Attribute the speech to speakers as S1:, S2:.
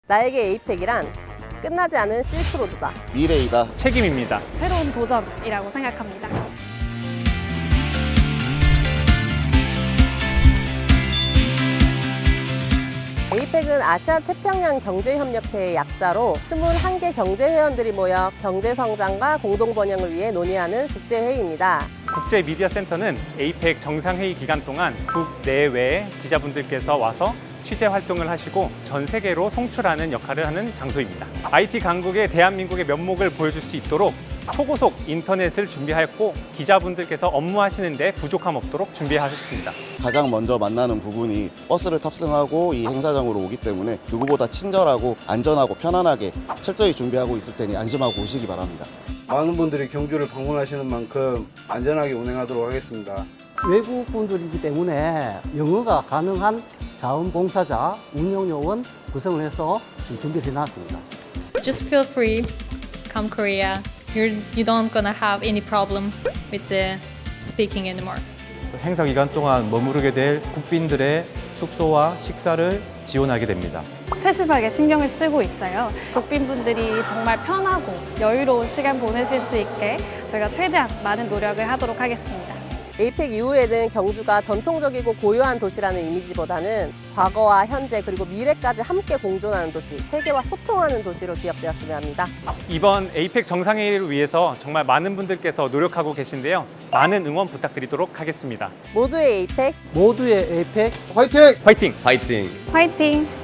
S1: 나에게 에이펙이란 끝나지 않은 실크로드다.
S2: 미래이다.
S3: 책임입니다.
S4: 새로운 도전이라고 생각합니다.
S1: 에이펙은 아시아 태평양 경제협력체의 약자로 21개 경제회원들이 모여 경제성장과 공동번영을 위해 논의하는 국제회의입니다.
S3: 국제미디어센터는 에이펙 정상회의 기간 동안 국내외 기자분들께서 와서 취재 활동을 하시고 전 세계로 송출하는 역할을 하는 장소입니다. IT 강국의 대한민국의 면목을 보여줄 수 있도록 초고속 인터넷을 준비하였고 기자분들께서 업무하시는데 부족함 없도록 준비하셨습니다.
S2: 가장 먼저 만나는 부분이 버스를 탑승하고 이 행사장으로 오기 때문에 누구보다 친절하고 안전하고 편안하게 철저히 준비하고 있을 테니 안심하고 오시기 바랍니다.
S5: 많은 분들이 경주를 방문하시는 만큼 안전하게 운행하도록 하겠습니다.
S6: 외국 분들이기 때문에 영어가 가능한 자원봉사자, 운영요원 구성을 해서 지금 준비를 해놨습니다.
S7: Just feel free, come Korea. You don't gonna have any problem with the speaking anymore.
S8: 행사 기간 동안 머무르게 될 국빈들의 숙소와 식사를 지원하게 됩니다.
S4: 세심하게 신경을 쓰고 있어요. 국빈분들이 정말 편하고 여유로운 시간 보내실 수 있게 저희가 최대한 많은 노력을 하도록 하겠습니다.
S1: 에이펙 이후에는 경주가 전통적이고 고요한 도시라는 이미지보다는 과거와 현재 그리고 미래까지 함께 공존하는 도시, 세계와 소통하는 도시로 기억되었으면 합니다.
S3: 이번 에이펙 정상회의를 위해서 정말 많은 분들께서 노력하고 계신데요. 많은 응원 부탁드리도록 하겠습니다.
S1: 모두의 에이펙,
S6: 모두의 에이펙
S5: 화이팅!
S3: 화이팅!
S9: 파이팅!
S4: 화이팅!